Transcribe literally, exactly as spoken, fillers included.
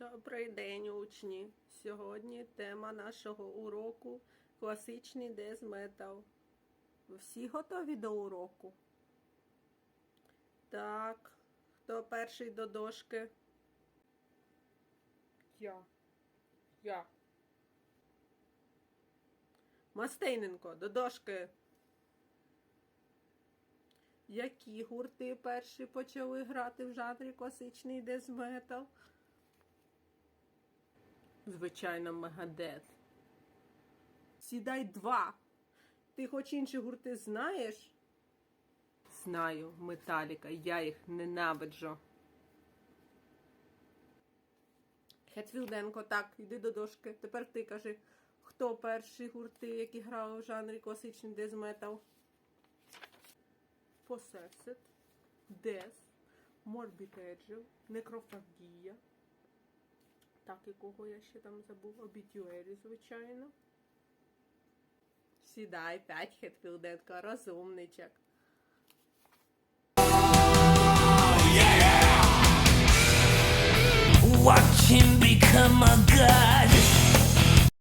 Добрий день, учні! Сьогодні тема нашого уроку – класичний дез-метал. Ви всі готові до уроку? Так. Хто перший до дошки? Я. Я. Мастейненко, до дошки. Які гурти перші почали грати в жанрі класичний дез-метал? Звичайно, Мегадет. Сідай два. Ти хоч інші гурти знаєш? Знаю, Металіка. Я їх ненавиджу. Хетфілденко, так, йди до дошки. Тепер ти кажи, хто перші гурти, які грали в жанрі класичний дез-метал? Possessed, Death, Morbid Angel, Necrophagia. Так, і кого я ще там забув? Obituary, звичайно. Сідай, п'ять, Хетфілденко, розумничок. Watch him become a god.